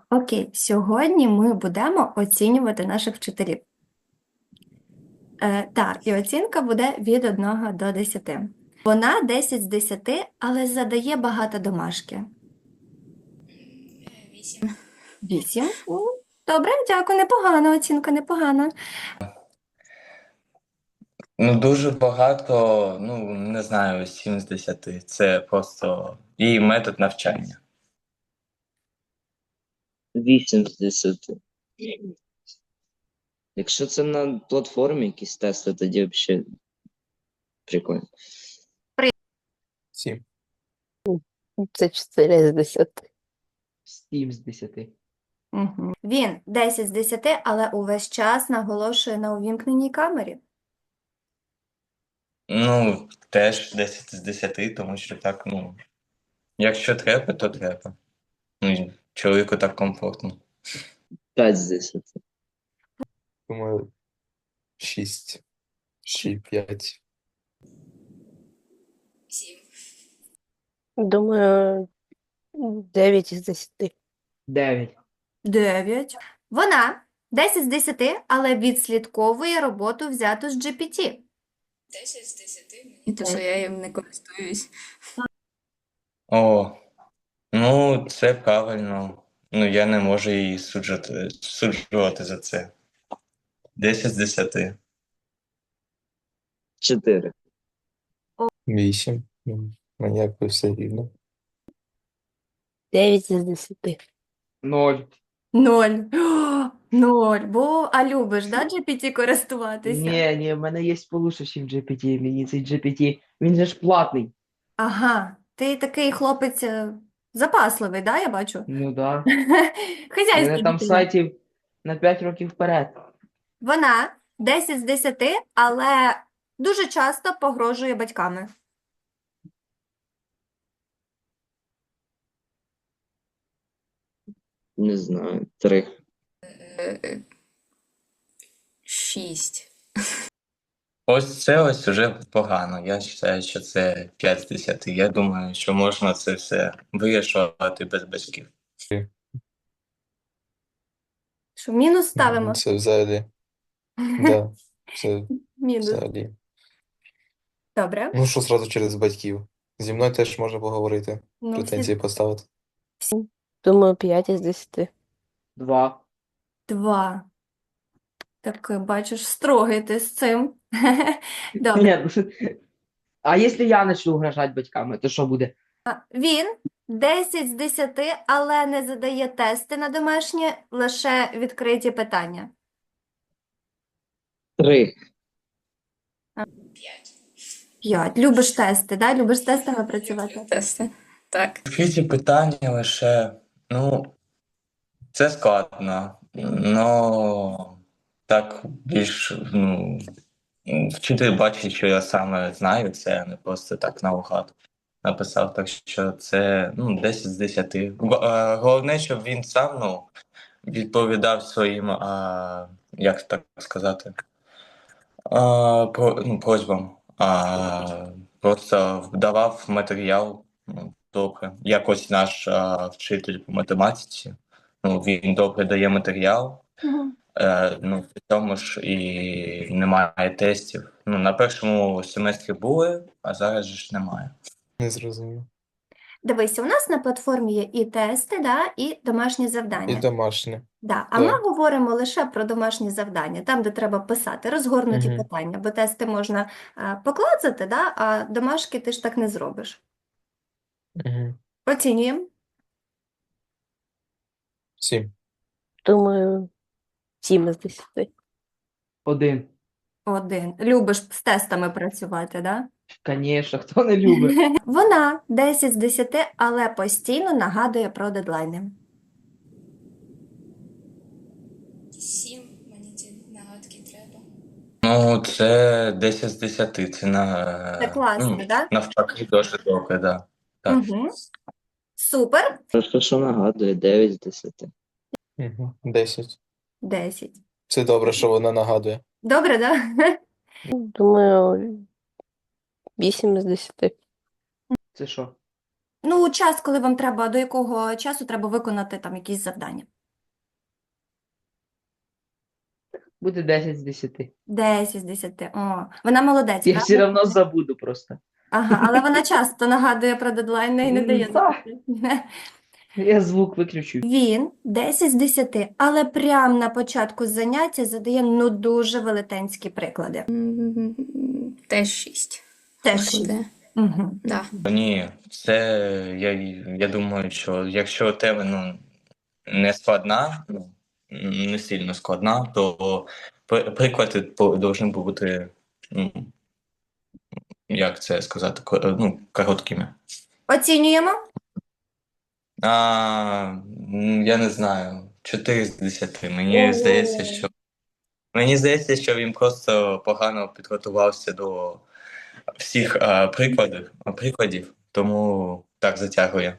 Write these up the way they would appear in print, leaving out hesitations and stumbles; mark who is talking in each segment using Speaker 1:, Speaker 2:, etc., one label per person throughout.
Speaker 1: Окей, сьогодні ми будемо оцінювати наших вчителів. Так, і оцінка буде від 1 до 10. Вона 10 з 10, але задає багато домашки.
Speaker 2: 8.
Speaker 1: 8. Добре, дякую, непогана оцінка, непогана.
Speaker 3: Ну, дуже багато, не знаю, 7 з 10. Це просто її метод навчання.
Speaker 4: 8 з 10. Якщо це на платформі якісь тести, тоді взагалі прикольно.
Speaker 5: 7.
Speaker 6: Це 4 з 10.
Speaker 5: 7 з 10.
Speaker 1: Угу. Він 10 з 10, але увесь час наголошує на увімкненій камері.
Speaker 3: Ну, теж 10 з 10, тому що так, якщо треба, то треба. Ну, чоловіку так комфортно.
Speaker 4: 5 з 10.
Speaker 5: Думаю, 6 чи 5.
Speaker 2: 7.
Speaker 6: Думаю, 9 із 10.
Speaker 5: 9.
Speaker 1: 9. Вона 10 з 10, але відслідковує роботу, взяту з GPT.
Speaker 2: 10 з 10 мені, то що я їм не користуюсь.
Speaker 3: О, це правильно. Я не можу її суджувати за це. 10 з 10.
Speaker 4: 4.
Speaker 5: 8. Мені якби все рівно.
Speaker 6: 9 із 10.
Speaker 5: 0.
Speaker 1: 0. 0. А любиш, да, GPT користуватися?
Speaker 7: Ні, в мене є получше, ніж GPT. Мені цей GPT, він же ж платний.
Speaker 1: Ага, ти такий хлопець запасливий, да, я бачу?
Speaker 7: Ну да. У
Speaker 1: Хазяйський
Speaker 7: мене там
Speaker 1: дитина.
Speaker 7: сайтів на 5 років вперед.
Speaker 1: Вона 10 з 10, але дуже часто погрожує батьками.
Speaker 4: Не знаю. 3.
Speaker 2: 6.
Speaker 3: Ось це уже погано. Я вважаю, що це 5 з 10. Я думаю, що можна це все вирішувати без батьків.
Speaker 1: Що, мінус ставимо?
Speaker 5: Це взагалі. Да, це
Speaker 1: Мінус.
Speaker 5: взагалі.
Speaker 1: Добре.
Speaker 5: Ну, що зразу через батьків. Зі мною теж можна поговорити,
Speaker 1: Ну,
Speaker 5: претензії поставити.
Speaker 6: Думаю, 5 із 10.
Speaker 7: 2.
Speaker 1: 2. Так, бачиш, строгий ти з цим. Добре.
Speaker 7: Ні, а якщо я почну угрожати батьками, то що буде?
Speaker 1: Він 10 з 10, але не задає тести на домашнє, лише відкриті питання.
Speaker 4: 3.
Speaker 2: 5.
Speaker 1: 5. Любиш тести, да? Любиш з тестами працювати?
Speaker 2: Тести. Так.
Speaker 3: Відкриті питання лише, це складно. Так більш, вчитель бачить, що я саме знаю, це не просто так наугад написав, так що це 10 з 10. Головне, щоб він сам відповідав своїм, як так сказати, просьбам, просто вдавав матеріал добре. Якось наш вчитель по математиці, він добре дає матеріал,
Speaker 1: Мгм.
Speaker 3: при тому ж і немає тестів. На першому семестрі були, а зараз же ж немає.
Speaker 5: Не зрозумів.
Speaker 1: Дивися, у нас на платформі є і тести, да, і домашні
Speaker 5: І
Speaker 1: завдання.
Speaker 5: домашнє.
Speaker 1: Да. А
Speaker 5: Да.
Speaker 1: ми говоримо лише про домашні завдання, там, де треба писати, розгорнуті
Speaker 5: Мгм.
Speaker 1: питання, бо тести можна поклацати, да, а домашки ти ж так не зробиш.
Speaker 5: Угу.
Speaker 1: Оцінюємо.
Speaker 5: 7.
Speaker 6: Думаю, 7 із 10.
Speaker 7: 1.
Speaker 1: 1. Любиш з тестами працювати, да?
Speaker 7: Звісно, хто не любить.
Speaker 1: Вона 10 з 10, але постійно нагадує про дедлайни.
Speaker 2: 7. Мені ці нагадки треба.
Speaker 3: Це 10 з 10, це
Speaker 1: Це класно, да?
Speaker 3: навпаки дуже добре, да. Так.
Speaker 1: Угу. Супер.
Speaker 4: Просто що нагадує, 9 з 10.
Speaker 5: Угу. 10.
Speaker 1: 10.
Speaker 5: Це добре, що вона нагадує.
Speaker 1: Добре, да?
Speaker 6: Думаю, 8 із 10.
Speaker 7: Це що?
Speaker 1: Ну, час, коли вам треба, до якого часу треба виконати там якісь завдання.
Speaker 7: Буде 10 з 10.
Speaker 1: 10 з 10. О, вона молодець,
Speaker 7: Я
Speaker 1: правда?
Speaker 7: все одно забуду просто.
Speaker 1: Ага, але вона часто нагадує про дедлайни і не дає
Speaker 7: Так.
Speaker 1: запитати.
Speaker 7: Я звук виключу.
Speaker 1: Він 10 з 10, але прямо на початку заняття задає ну дуже велетенські приклади.
Speaker 2: Теж 6.
Speaker 1: Теж 6.
Speaker 2: Буде.
Speaker 1: Угу.
Speaker 2: Да.
Speaker 3: Ні, це я думаю, що якщо тема не складна, не сильно складна, то приклади повинні бути, ну, як це сказати, короткими.
Speaker 1: Оцінюємо.
Speaker 3: Я не знаю, 4 з 10. Мені здається, що він просто погано підготувався до всіх прикладів, тому так затягує.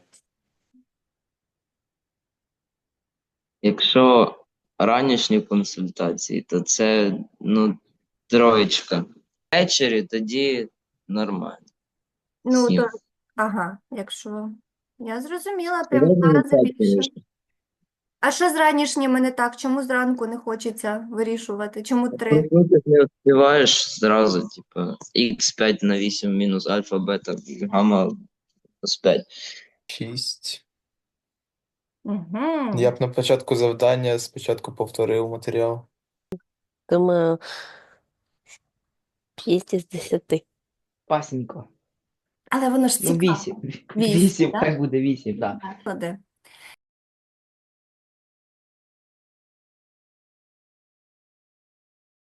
Speaker 4: Якщо ранішні консультації, то це, ну, троєчка. Ввечері тоді нормально.
Speaker 1: Ну,
Speaker 4: Сім.
Speaker 1: то, ага, якщо. Я зрозуміла, прям
Speaker 4: Середньо
Speaker 1: два рази
Speaker 4: так,
Speaker 1: більше.
Speaker 4: конечно.
Speaker 1: А що з ранішніми не так? Чому зранку не хочеться вирішувати? Чому 3?
Speaker 4: Проснутись не успіваєш зразу, типу, x5 на 8 мінус альфа, бета, гамма плюс 5.
Speaker 5: 6.
Speaker 1: Угу.
Speaker 5: Я б на початку завдання спочатку повторив матеріал.
Speaker 6: Думаю, 5 із 10.
Speaker 7: Пасенько.
Speaker 1: Але воно ж
Speaker 7: Ну,
Speaker 1: цікаво.
Speaker 7: 8.
Speaker 1: Вісім,
Speaker 7: 8,
Speaker 1: да?
Speaker 7: хай буде 8, так.
Speaker 1: Приклади.